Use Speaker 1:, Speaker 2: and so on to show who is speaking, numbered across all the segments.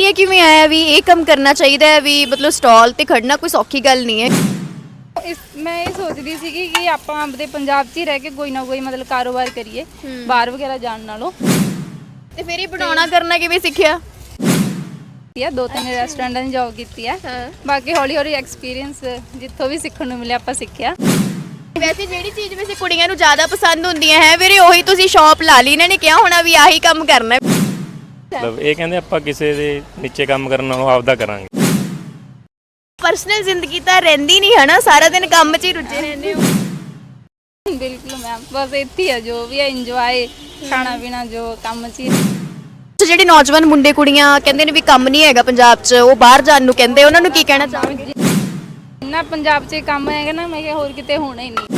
Speaker 1: Idea ਕਿਵੇਂ ਆਇਆ ਵੀ ਇਹ ਕੰਮ ਕਰਨਾ ਚਾਹੀਦਾ ਹੈ ਵੀ ਮਤਲਬ ਸਟਾਲ ਤੇ ਖੜਨਾ ਕੋਈ ਸੌਖੀ ਗੱਲ ਨਹੀਂ ਹੈ?
Speaker 2: ਮੈਂ ਇਹ ਸੋਚਦੀ ਸੀਗੀ ਕਿ ਆਪਾਂ ਆਪਣੇ ਪੰਜਾਬ 'ਚ ਹੀ ਰਹਿ ਕੇ ਕੋਈ ਨਾ ਕੋਈ ਮਤਲਬ ਕਾਰੋਬਾਰ ਕਰੀਏ ਬਾਹਰ ਵਗੈਰਾ ਜਾਣ ਨਾਲੋਂ।
Speaker 1: ਤੇ ਫਿਰ ਇਹ ਬਣਾਉਣਾ ਕਰਨਾ ਕਿਵੇਂ ਸਿੱਖਿਆ?
Speaker 2: ਦੋ ਤਿੰਨ ਰੈਸਟੋਰੈਂਟਾਂ 'ਚ ਜੌਬ ਕੀਤੀ ਹੈ। ਬਾਕੀ ਹੌਲੀ ਹੌਲੀ ਐਕਸਪੀਰੀਅੰਸ ਜਿੱਥੋਂ ਵੀ ਸਿੱਖਣ ਨੂੰ ਮਿਲਿਆ ਆਪਾਂ ਸਿੱਖਿਆ।
Speaker 1: ਵੈਸੇ ਜਿਹੜੀ ਚੀਜ਼ ਵੈਸੇ ਕੁੜੀਆਂ ਨੂੰ ਜ਼ਿਆਦਾ ਪਸੰਦ ਹੁੰਦੀਆਂ ਹੈ ਵੀਰੇ ਉਹੀ ਤੁਸੀਂ ਸ਼ਾਪ ਲਾ ਲਈ, ਇਹਨਾਂ ਨੇ ਕਿਹਾ ਹੋਣਾ ਵੀ ਆਹੀ ਕੰਮ ਕਰਨਾ ਹੈ।
Speaker 3: ਮਤਲਬ ਇਹ ਕਹਿੰਦੇ ਆਪਾਂ ਕਿਸੇ ਦੇ ਨੀਚੇ ਕੰਮ ਕਰਨ ਨਾਲੋਂ ਆਪਦਾ ਕਰਾਂਗੇ।
Speaker 1: ਪਰਸਨਲ ਜ਼ਿੰਦਗੀ ਤਾਂ ਰਹਿੰਦੀ ਨਹੀਂ ਹੈ ਨਾ, ਸਾਰਾ ਦਿਨ ਕੰਮ 'ਚ ਹੀ ਰੁੱਝੇ ਰਹਿੰਦੇ ਹੋ।
Speaker 2: ਬਿਲਕੁਲ ਮੈਮ, ਬਸ ਇੱਥੇ ਹੈ ਜੋ ਵੀ ਹੈ ਇੰਜੋਏ, ਖਾਣਾ ਪੀਣਾ ਜੋ ਕੰਮ 'ਚ ਹੀ।
Speaker 1: ਜਿਹੜੇ ਨੌਜਵਾਨ ਮੁੰਡੇ ਕੁੜੀਆਂ ਕਹਿੰਦੇ ਨੇ ਵੀ ਕੰਮ ਨਹੀਂ ਹੈਗਾ ਪੰਜਾਬ 'ਚ, ਉਹ ਬਾਹਰ ਜਾਣ ਨੂੰ ਕਹਿੰਦੇ, ਉਹਨਾਂ ਨੂੰ ਕੀ ਕਹਿਣਾ ਚਾਹੋਗੇ?
Speaker 2: ਇੰਨਾ ਪੰਜਾਬ 'ਚ ਕੰਮ ਹੈਗਾ ਨਾ, ਮੈਂ ਕਿਹਾ ਹੋਰ ਕਿਤੇ ਹੋਣਾ ਹੀ ਨਹੀਂ।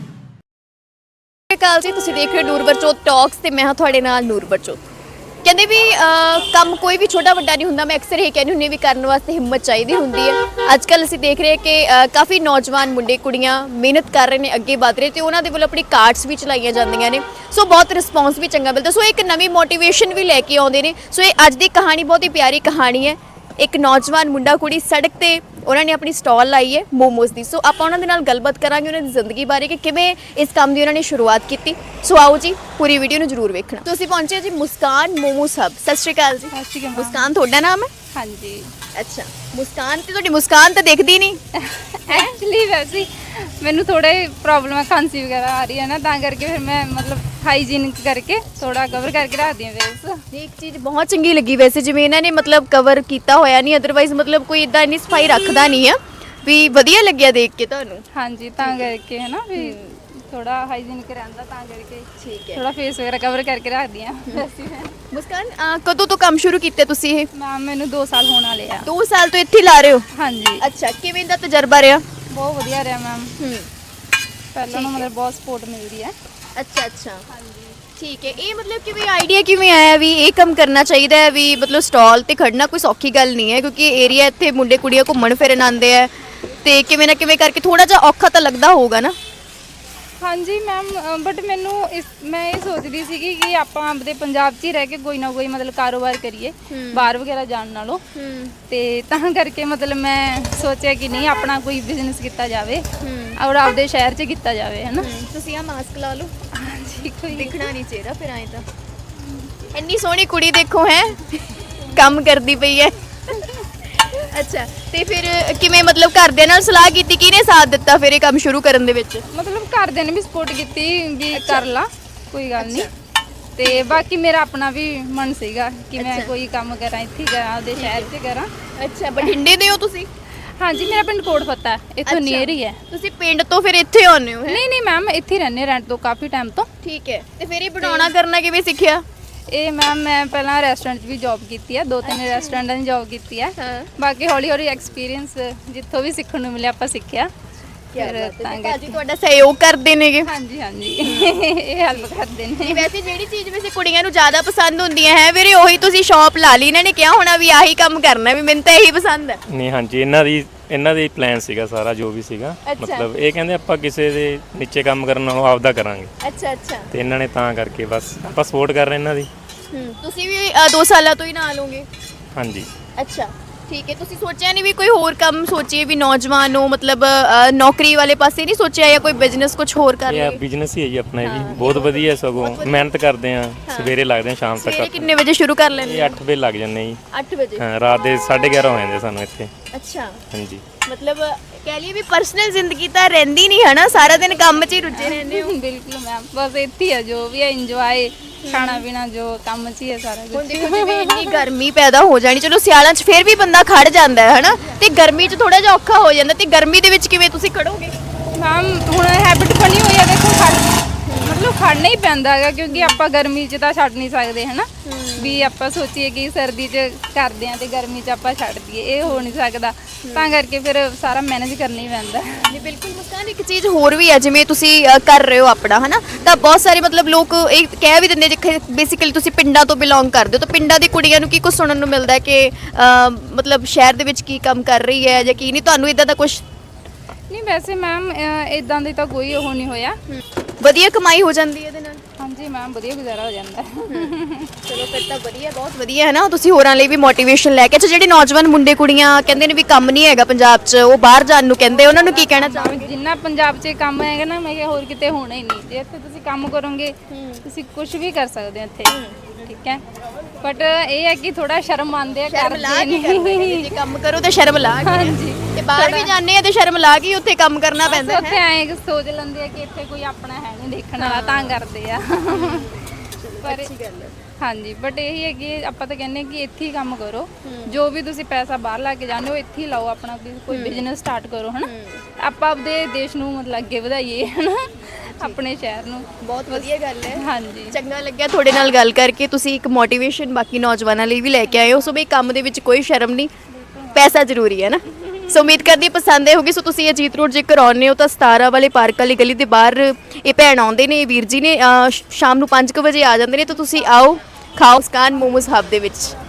Speaker 1: ਸਤਿ ਸ਼੍ਰੀ ਅਕਾਲ ਜੀ, ਤੁਸੀਂ ਦੇਖ ਰਹੇ ਹੋ ਨੂਰਬਰਜੋਤ ਟਾਕਸ ਤੇ ਮੈਂ ਹਾਂ ਤੁਹਾਡੇ ਨਾਲ ਨੂਰਬਰਜੋਤ। ਕਹਿੰਦੇ ਵੀ ਕੰਮ ਕੋਈ ਵੀ ਛੋਟਾ ਵੱਡਾ ਨਹੀਂ ਹੁੰਦਾ। ਮੈਂ ਅਕਸਰ ਇਹ ਕਹਿੰਦੀ ਹੁੰਦੀ ਵੀ ਕਰਨ ਵਾਸਤੇ ਹਿੰਮਤ ਚਾਹੀਦੀ ਹੁੰਦੀ ਹੈ। ਅੱਜ ਕੱਲ੍ਹ ਅਸੀਂ ਦੇਖ ਰਹੇ ਕਿ ਕਾਫੀ ਨੌਜਵਾਨ ਮੁੰਡੇ ਕੁੜੀਆਂ ਮਿਹਨਤ ਕਰ ਰਹੇ ਨੇ, ਅੱਗੇ ਵਧ ਰਹੇ ਤੇ ਉਹਨਾਂ ਦੇ ਵੱਲੋਂ ਆਪਣੀ ਕਾਰਡਸ ਵੀ ਚਲਾਈਆਂ ਜਾਂਦੀਆਂ ਨੇ। ਸੋ ਬਹੁਤ ਰਿਸਪੌਂਸ ਵੀ ਚੰਗਾ ਮਿਲਦਾ। ਸੋ ਇੱਕ ਨਵੀਂ ਮੋਟੀਵੇਸ਼ਨ ਵੀ ਲੈ ਕੇ ਆਉਂਦੇ ਨੇ। ਸੋ ਇਹ ਅੱਜ ਦੀ ਕਹਾਣੀ ਬਹੁਤ ਹੀ ਪਿਆਰੀ ਕਹਾਣੀ ਹੈ। ਇੱਕ ਨੌਜਵਾਨ ਮੁੰਡਾ ਕੁੜੀ ਸੜਕ ਤੇ ਉਹਨਾਂ ਨੇ ਆਪਣੀ ਸਟਾਲ ਲਾਈ ਹੈ ਮੋਮੋਸ ਦੀ। ਸੋ ਆਪਾਂ ਉਹਨਾਂ ਦੇ ਨਾਲ ਗੱਲਬਾਤ ਕਰਾਂਗੇ ਉਹਨਾਂ ਦੀ ਜ਼ਿੰਦਗੀ ਬਾਰੇ ਕਿ ਕਿਵੇਂ ਇਸ ਕੰਮ ਦੀ ਉਹਨਾਂ ਨੇ ਸ਼ੁਰੂਆਤ ਕੀਤੀ। ਸੋ ਆਓ ਜੀ, ਪੂਰੀ ਵੀਡੀਓ ਨੂੰ ਜ਼ਰੂਰ ਵੇਖਣਾ। ਤੁਸੀਂ ਪਹੁੰਚੇ ਜੀ ਮੁਸਕਾਨ ਮੋਮੋਸ ਹੱਬ। ਸਤਿ ਸ਼੍ਰੀ ਅਕਾਲ ਜੀ।
Speaker 2: ਸਤਿ ਸ਼੍ਰੀ ਅਕਾਲ।
Speaker 1: ਮੁਸਕਾਨ ਤੁਹਾਡਾ ਨਾਮ ਹੈ?
Speaker 2: ਹਾਂਜੀ।
Speaker 1: ਅੱਛਾ, ਮੁਸਕਾਨ ਤੇ ਤੁਹਾਡੀ ਮੁਸਕਾਨ ਤਾਂ ਦਿਖਦੀ ਨਹੀਂ।
Speaker 2: ਐਕਚੁਅਲੀ ਵੈਸੇ ਮੈਨੂੰ ਥੋੜੇ ਪ੍ਰੋਬਲਮ ਹੈ, ਖਾਂਸੀ ਵਗੈਰਾ ਆ ਰਹੀ ਹੈ ਨਾ, ਤਾਂ ਕਰਕੇ ਫਿਰ ਮੈਂ ਮਤਲਬ ਹਾਈਜੀਨ ਕਰਕੇ ਥੋੜਾ ਕਵਰ ਕਰਕੇ ਰੱਖਦੀ ਹਾਂ ਫੇਸ।
Speaker 1: ਇੱਕ ਚੀਜ਼ ਬਹੁਤ ਚੰਗੀ ਲੱਗੀ ਵੈਸੇ, ਜਿਵੇਂ ਇਹਨਾਂ ਨੇ ਮਤਲਬ ਕਵਰ ਕੀਤਾ ਹੋਇਆ ਨਹੀਂ, ਅਦਰਵਾਈਜ਼ ਮਤਲਬ ਕੋਈ ਇਦਾਂ ਇੰਨੀ ਸਫਾਈ ਰੱਖਦਾ ਨਹੀਂ ਆ, ਵੀ ਵਧੀਆ ਲੱਗਿਆ ਦੇਖ ਕੇ ਤੁਹਾਨੂੰ।
Speaker 2: ਹਾਂਜੀ, ਤਾਂ ਕਰਕੇ ਹੈ ਨਾ ਵੀ ਥੋੜਾ ਹਾਈਜੀਨਿਕ ਰਹਿੰਦਾ, ਤਾਂ ਕਰਕੇ
Speaker 1: ਠੀਕ ਹੈ।
Speaker 2: ਥੋੜਾ ਫੇਸ ਵਗੈਰਾ ਕਵਰ ਕਰਕੇ ਰੱਖਦੀ ਹਾਂ ਵੈਸੇ ਮੈਂ।
Speaker 1: ਮੁਸਕਾਨ ਕਦੋਂ ਤੋਂ ਕੰਮ ਸ਼ੁਰੂ ਕੀਤਾ ਤੁਸੀਂ ਇਹ?
Speaker 2: ਮੈਮ ਮੈਨੂੰ 2 ਸਾਲ ਹੋਣ ਵਾਲੇ ਆ।
Speaker 1: 2 ਸਾਲ ਤੋਂ ਇੱਥੇ ਲਾ ਰਹੇ ਹੋ?
Speaker 2: ਹਾਂਜੀ।
Speaker 1: ਅੱਛਾ, ਕਿਵੇਂ ਦਾ ਤਜਰਬਾ ਰਿਹਾ?
Speaker 2: ਬਹੁਤ ਵਧੀਆ ਰਿਹਾ ਮੈਮ। ਪਹਿਲਾਂ ਨੂੰ ਮਤਲਬ ਬਹੁਤ ਸਪੋਰਟ ਮਿਲਦੀ ਹੈ।
Speaker 1: ਅੱਛਾ ਅੱਛਾ, ਠੀਕ ਹੈ। ਇਹ ਮਤਲਬ ਕਿਵੇਂ ਆਈਡੀਆ ਕਿਵੇਂ ਆਇਆ ਵੀ ਇਹ ਕੰਮ ਕਰਨਾ ਚਾਹੀਦਾ ਹੈ ਵੀ ਮਤਲਬ ਸਟਾਲ ਤੇ ਖੜਨਾ ਕੋਈ ਸੌਖੀ ਗੱਲ ਨਹੀਂ ਹੈ, ਕਿਉਂਕਿ ਏਰੀਆ ਇੱਥੇ ਮੁੰਡੇ ਕੁੜੀਆਂ ਘੁੰਮਣ ਫਿਰਨ ਆਉਂਦੇ ਆ ਤੇ ਕਿਵੇਂ ਨਾ ਕਿਵੇਂ ਕਰਕੇ ਥੋੜਾ ਜਿਹਾ ਔਖਾ ਤਾਂ ਲੱਗਦਾ ਹੋਊਗਾ ਨਾ।
Speaker 2: ਹਾਂਜੀ ਮੈਮ, ਬਟ ਮੈਂ ਇਹ ਸੋਚਦੀ ਸੀਗੀ ਕਿ ਆਪਾਂ ਆਪਣੇ ਪੰਜਾਬ 'ਚ ਹੀ ਰਹਿ ਕੇ ਕੋਈ ਨਾ ਕੋਈ ਮਤਲਬ ਕਾਰੋਬਾਰ ਕਰੀਏ ਬਾਹਰ ਵਗੈਰਾ ਜਾਣ ਨਾਲੋਂ। ਤੇ ਤਾਂ ਕਰਕੇ ਮਤਲਬ ਮੈਂ ਸੋਚਿਆ ਕਿ ਨਹੀਂ, ਆਪਣਾ ਕੋਈ ਬਿਜ਼ਨਸ ਕੀਤਾ ਜਾਵੇ ਔਰ ਆਪਦੇ ਸ਼ਹਿਰ 'ਚ ਕੀਤਾ ਜਾਵੇ, ਹੈ ਨਾ।
Speaker 1: ਤੁਸੀਂ ਆ ਮਾਸਕ ਲਾ ਲਓ।
Speaker 2: ਹਾਂਜੀ, ਕੋਈ
Speaker 1: ਦਿਖਣਾ ਨਹੀਂ ਚਾਹੀਦਾ ਫਿਰ ਆਏ ਤਾਂ। ਇੰਨੀ ਸੋਹਣੀ ਕੁੜੀ ਦੇਖੋ ਹੈ, ਕੰਮ ਕਰਦੀ ਪਈ ਹੈ। ਅੱਛਾ, ਤੇ ਫਿਰ ਕਿਵੇਂ ਮਤਲਬ ਘਰਦਿਆਂ ਨਾਲ ਸਲਾਹ ਕੀਤੀ, ਕਿਹਨੇ ਸਾਥ ਦਿੱਤਾ ਫਿਰ ਇਹ ਕੰਮ ਸ਼ੁਰੂ ਕਰਨ ਦੇ ਵਿੱਚ?
Speaker 2: ਮਤਲਬ ਘਰਦਿਆਂ ਨੇ ਵੀ ਸਪੋਰਟ ਕੀਤੀ ਵੀ ਕਰ ਲਾ, ਕੋਈ ਗੱਲ ਨਹੀਂ। ਤੇ ਬਾਕੀ ਮੇਰਾ ਆਪਣਾ ਵੀ ਮਨ ਸੀਗਾ ਕਿ ਮੈਂ ਕੋਈ ਕੰਮ ਕਰਾਂ, ਇੱਥੇ ਕਰਾਂ, ਆਪਦੇ ਸ਼ਹਿਰ 'ਚ ਕਰਾਂ।
Speaker 1: ਅੱਛਾ, ਬਠਿੰਡੇ ਦੇ ਹੋ ਤੁਸੀਂ?
Speaker 2: ਹਾਂਜੀ, ਮੇਰਾ ਪਿੰਡ ਕੋਟ ਫੱਤਾ, ਇੱਥੋਂ ਨੀਅਰ ਹੀ ਹੈ।
Speaker 1: ਤੁਸੀਂ ਪਿੰਡ ਤੋਂ ਫਿਰ ਇੱਥੇ ਆਉਂਦੇ ਹੋ?
Speaker 2: ਨਹੀਂ ਮੈਮ, ਇੱਥੇ ਰਹਿੰਦੇ ਰੈਂਟ ਤੋਂ ਕਾਫੀ ਟਾਈਮ ਤੋਂ।
Speaker 1: ਠੀਕ ਹੈ। ਤੇ ਫਿਰ ਇਹ ਬਣਾਉਣਾ ਕਰਨਾ ਕਿਵੇਂ ਸਿੱਖਿਆ?
Speaker 2: ਇਹ ਮੈਮ ਮੈਂ ਪਹਿਲਾਂ ਰੈਸਟੋਰੈਂਟ 'ਚ ਵੀ ਜੌਬ ਕੀਤੀ ਹੈ, 2-3 ਰੈਸਟੋਰੈਂਟਾਂ 'ਚ ਜੌਬ ਕੀਤੀ ਹੈ। ਬਾਕੀ ਹੌਲੀ ਹੌਲੀ ਐਕਸਪੀਰੀਅੰਸ ਜਿੱਥੋਂ ਵੀ ਸਿੱਖਣ ਨੂੰ ਮਿਲਿਆ ਆਪਾਂ ਸਿੱਖਿਆ। ਫਿਰ ਤਾਂ
Speaker 1: ਭਾਜੀ ਤੁਹਾਡਾ ਸਹਿਯੋਗ ਕਰਦੇ ਨੇਗੇ?
Speaker 2: ਹਾਂਜੀ ਇਹ ਹੈਲਪ ਕਰਦੇ ਨੇ।
Speaker 1: ਵੈਸੇ ਜਿਹੜੀ ਚੀਜ਼ ਵੈਸੇ ਕੁੜੀਆਂ ਨੂੰ ਜ਼ਿਆਦਾ ਪਸੰਦ ਹੁੰਦੀਆਂ ਹੈ ਵੀਰੇ ਉਹੀ ਤੁਸੀਂ ਸ਼ਾਪ ਲਾ ਲਈ, ਇਹਨਾਂ ਨੇ ਕਿਹਾ ਹੋਣਾ ਵੀ ਆਹੀ ਕੰਮ ਕਰਨਾ, ਵੀ ਮੈਨੂੰ ਤਾਂ ਇਹੀ ਪਸੰਦ ਹੈ।
Speaker 3: ਨਹੀਂ ਹਾਂਜੀ, ਇਹਨਾਂ ਦੇ ਪਲਾਨ ਸੀਗਾ ਸਾਰਾ ਜੋ ਵੀ ਸੀਗਾ। ਮਤਲਬ ਇਹ ਕਹਿੰਦੇ ਆਪਾਂ ਕਿਸੇ ਦੇ ਨੀਚੇ ਕੰਮ ਕਰਨ ਨਾਲੋਂ ਆਪਦਾ ਕਰਾਂਗੇ।
Speaker 1: ਅੱਛਾ ਅੱਛਾ,
Speaker 3: ਤੇ ਇਹਨਾਂ ਨੇ ਤਾਂ ਕਰਕੇ ਬਸ ਆਪਾਂ ਸਪੋਰਟ ਕਰ ਰਹੇ ਇਹਨਾਂ ਦੀ।
Speaker 1: ਤੁਸੀਂ ਵੀ 2 ਸਾਲਾਂ ਤੋਂ ਹੀ ਨਾਲ ਹੋਗੇ?
Speaker 3: ਹਾਂਜੀ।
Speaker 1: ਅੱਛਾ, ਠੀਕ ਹੈ। ਤੁਸੀਂ ਸੋਚਿਆ ਨਹੀਂ ਵੀ ਕੋਈ ਹੋਰ ਕੰਮ ਸੋਚੀਏ ਵੀ ਨੌਜਵਾਨ ਨੂੰ ਮਤਲਬ ਨੌਕਰੀ ਵਾਲੇ ਪਾਸੇ ਨਹੀਂ ਸੋਚਿਆ ਜਾਂ ਕੋਈ ਬਿਜ਼ਨਸ ਕੁਝ ਹੋਰ ਕਰ
Speaker 3: ਇਹ
Speaker 1: ਲਈਏ?
Speaker 3: ਬਿਜ਼ਨਸ ਹੀ ਹੈ ਜੀ ਆਪਣਾ, ਇਹ ਵੀ ਬਹੁਤ ਵਧੀਆ, ਸਗੋਂ ਮਿਹਨਤ ਕਰਦੇ ਆ, ਸਵੇਰੇ ਲੱਗਦੇ ਆ ਸ਼ਾਮ ਤੱਕ।
Speaker 1: ਸਵੇਰੇ ਕਿੰਨੇ ਵਜੇ ਸ਼ੁਰੂ ਕਰ ਲੈਂਦੇ?
Speaker 3: ਇਹ 8 ਵਜੇ ਲੱਗ ਜਾਂਦੇ ਜੀ।
Speaker 1: 8 ਵਜੇ?
Speaker 3: ਹਾਂ, ਰਾਤ ਦੇ 11:30 ਹੋ ਜਾਂਦੇ ਸਾਨੂੰ ਇੱਥੇ।
Speaker 1: ਅੱਛਾ,
Speaker 3: ਹਾਂਜੀ।
Speaker 1: ਮਤਲਬ ਕਹਿ ਲਈਏ ਵੀ ਪਰਸਨਲ ਜ਼ਿੰਦਗੀ ਤਾਂ ਰਹਿੰਦੀ ਨਹੀਂ ਹੈ ਨਾ, ਸਾਰਾ ਦਿਨ ਕੰਮ 'ਚ ਹੀ ਰੁੱਝੇ ਰਹਿੰਦੇ ਹੋ।
Speaker 2: ਬਿਲਕੁਲ ਮੈਮ, ਬਸ ਇੱਥੇ ਹੈ ਜੋ ਵੀ ਹੈ ਇੰਜੋਏ, ਖਾਣਾ ਪੀਣਾ ਜੋ ਕੰਮ 'ਚ ਹੀ ਹੈ ਸਾਰਾ
Speaker 1: ਹੁਣ
Speaker 2: ਕੁਝ।
Speaker 1: ਦੇਖੋ ਜਿਵੇਂ ਇੰਨੀ ਗਰਮੀ ਪੈਦਾ ਹੋ ਜਾਣੀ, ਚਲੋ ਸਿਆਲਾਂ 'ਚ ਫਿਰ ਵੀ ਬੰਦਾ ਖੜ ਜਾਂਦਾ ਹੈ ਹਨਾ, ਤੇ ਗਰਮੀ 'ਚ ਥੋੜਾ ਜਿਹਾ ਔਖਾ ਹੋ ਜਾਂਦਾ, ਤੇ ਗਰਮੀ ਦੇ ਵਿੱਚ ਕਿਵੇਂ ਤੁਸੀਂ ਖੜੋਗੇ?
Speaker 2: ਮੈਮ ਹੁਣ ਹੈਬਿਟ ਬਣੀ ਹੋਈ ਹੈ, ਦੇਖੋ ਮਤਲਬ ਖੜਨਾ ਹੀ ਪੈਂਦਾ ਹੈਗਾ, ਕਿਉਂਕਿ ਆਪਾਂ ਗਰਮੀ 'ਚ ਤਾਂ ਛੱਡ ਨਹੀਂ ਸਕਦੇ, ਹੈ ਨਾ। ਵੀ ਆਪਾਂ ਸੋਚੀਏ ਕਿ ਸਰਦੀ 'ਚ ਕਰਦੇ ਆ ਤੇ ਗਰਮੀ 'ਚ ਆਪਾਂ ਛੱਡ ਦਈਏ, ਇਹ ਹੋ ਨਹੀਂ ਸਕਦਾ। ਤਾਂ ਕਰਕੇ ਫਿਰ ਸਾਰਾ ਮੈਨੇਜ ਕਰਨਾ ਹੀ ਪੈਂਦਾ।
Speaker 1: ਨਹੀਂ ਬਿਲਕੁਲ ਮੁਸਕਾਨ, ਇੱਕ ਚੀਜ਼ ਹੋਰ ਵੀ ਹੈ, ਜਿਵੇਂ ਤੁਸੀਂ ਕਰ ਰਹੇ ਹੋ ਆਪਣਾ ਹਨਾ, ਤਾਂ ਬਹੁਤ ਸਾਰੇ ਮਤਲਬ ਲੋਕ ਇਹ ਕਹਿ ਵੀ ਦਿੰਦੇ ਜਿੱਥੇ ਬੇਸਿਕਲੀ ਤੁਸੀਂ ਪਿੰਡਾਂ ਤੋਂ ਬਿਲੋਂਗ ਕਰਦੇ ਹੋ, ਤਾਂ ਪਿੰਡਾਂ ਦੀ ਕੁੜੀਆਂ ਨੂੰ ਕੀ ਕੁਝ ਸੁਣਨ ਨੂੰ ਮਿਲਦਾ ਕਿ ਮਤਲਬ ਸ਼ਹਿਰ ਦੇ ਵਿੱਚ ਕੀ ਕੰਮ ਕਰ ਰਹੀ ਹੈ ਜਾਂ ਕੀ ਨਹੀਂ, ਤੁਹਾਨੂੰ ਇਦਾਂ ਦਾ ਕੁਝ?
Speaker 2: ਨਹੀਂ ਵੈਸੇ ਮੈਮ ਇਦਾਂ ਦੀ ਤਾਂ ਕੋਈ ਉਹ ਨਹੀਂ ਹੋਇਆ।
Speaker 1: ਵਧੀਆ ਕਮਾਈ ਹੋ ਜਾਂਦੀ ਹੈ ਇਹਦੇ ਨਾਲ?
Speaker 2: ਹਾਂਜੀ ਹਾਂਜੀ ਮੈਮ ਵਧੀਆ ਗੁਜ਼ਾਰਾ ਹੋ ਜਾਂਦਾ
Speaker 1: ਚਲੋ ਫਿਰ ਤਾਂ ਵਧੀਆ, ਬਹੁਤ ਵਧੀਆ ਹੈ ਨਾ। ਤੁਸੀਂ ਹੋਰਾਂ ਲਈ ਵੀ ਮੋਟੀਵੇਸ਼ਨ ਲੈ ਕੇ, ਅੱਛਾ ਜਿਹੜੇ ਨੌਜਵਾਨ ਮੁੰਡੇ ਕੁੜੀਆਂ ਕਹਿੰਦੇ ਨੇ ਵੀ ਕੰਮ ਨਹੀਂ ਹੈਗਾ ਪੰਜਾਬ 'ਚ, ਉਹ ਬਾਹਰ ਜਾਣ ਨੂੰ ਕਹਿੰਦੇ, ਉਹਨਾਂ ਨੂੰ ਕੀ ਕਹਿਣਾ ਚਾਹੋਗੇ?
Speaker 2: ਜਿੰਨਾ ਪੰਜਾਬ 'ਚ ਕੰਮ ਹੈਗਾ ਨਾ, ਮੈਂ ਕਿਹਾ ਹੋਰ ਕਿਤੇ ਹੋਣਾ ਹੀ ਨਹੀਂ। ਜੇ ਇੱਥੇ ਤੁਸੀਂ ਕੰਮ ਕਰੋਗੇ ਤੁਸੀਂ ਕੁਝ ਵੀ ਕਰ ਸਕਦੇ ਹੋ ਇੱਥੇ, ਠੀਕ ਹੈ। ਬਟ ਇਹ ਹੈ ਕਿ ਥੋੜਾ ਸ਼ਰਮ ਮੰਨਦੇ ਆ, ਕਰਦੇ ਨਹੀਂ।
Speaker 1: ਜੇ ਕੰਮ ਕਰੋ ਤਾਂ ਸ਼ਰਮ ਲਾ ਕੇ,
Speaker 2: ਹਾਂਜੀ
Speaker 1: ਤੇ ਬਾਹਰ ਵੀ ਜਾਂਦੇ ਆ ਤੇ ਸ਼ਰਮ ਲਾ ਕੇ ਉੱਥੇ ਕੰਮ ਕਰਨਾ ਪੈਂਦਾ
Speaker 2: ਉੱਥੇ ਐਂ ਸੋਚ ਲੈਂਦੇ ਆ ਕਿ ਇੱਥੇ ਕੋਈ ਆਪਣਾ ਹੈ ਨਹੀਂ ਦੇਖਣ ਵਾਲਾ, ਤਾਂ ਕਰਦੇ ਆ। ਪਰ ਹਾਂਜੀ, ਬਟ ਇਹੀ ਹੈ ਕਿ ਆਪਾਂ ਤਾਂ ਕਹਿੰਦੇ ਕਿ ਇੱਥੇ ਹੀ ਕੰਮ ਕਰੋ। ਜੋ ਵੀ ਤੁਸੀਂ ਪੈਸਾ ਬਾਹਰ ਲਾ ਕੇ ਜਾਂਦੇ ਹੋ, ਇੱਥੇ ਹੀ ਲਾਓ, ਆਪਣਾ ਕੋਈ ਬਿਜ਼ਨਸ ਸਟਾਰਟ ਕਰੋ, ਹਨਾ। ਆਪਾਂ ਆਪਦੇ ਦੇਸ਼ ਨੂੰ ਮਤਲਬ ਅੱਗੇ ਵਧਾਈਏ, ਹਨਾ, ਆਪਣੇ ਸ਼ਹਿਰ ਨੂੰ।
Speaker 1: ਬਹੁਤ ਵਧੀਆ ਗੱਲ ਹੈ।
Speaker 2: ਹਾਂਜੀ,
Speaker 1: ਚੰਗਾ ਲੱਗਿਆ ਤੁਹਾਡੇ ਨਾਲ ਗੱਲ ਕਰਕੇ। ਤੁਸੀਂ ਇੱਕ ਮੋਟੀਵੇਸ਼ਨ ਬਾਕੀ ਨੌਜਵਾਨਾਂ ਲਈ ਵੀ ਲੈ ਕੇ ਆਏ ਹੋ। ਸੋ ਬਈ ਕੰਮ ਦੇ ਵਿੱਚ ਕੋਈ ਸ਼ਰਮ ਨਹੀਂ, ਪੈਸਾ ਜ਼ਰੂਰੀ ਹੈ ਨਾ। ਸੋ ਉਮੀਦ ਕਰਦੀ ਹਾਂ ਪਸੰਦ ਆਏ ਹੋਗੀ। ਸੋ ਤੁਸੀਂ ਅਜੀਤ ਰੋਡ ਜੇਕਰ ਆਉਂਦੇ ਹੋ ਤਾਂ 17 ਵਾਲੇ ਪਾਰਕ ਵਾਲੀ ਗਲੀ ਦੇ ਬਾਹਰ ਇਹ ਭੈਣ ਆਉਂਦੇ ਨੇ, ਵੀਰ ਜੀ ਨੇ, ਸ਼ਾਮ ਨੂੰ 5 ਵਜੇ ਆ ਜਾਂਦੇ ਨੇ। ਤਾਂ ਤੁਸੀਂ ਆਓ, ਖਾਓ ਮੁਸਕਾਨ ਮੋਮੋਸ ਹੱਬ ਦੇ ਵਿੱਚ।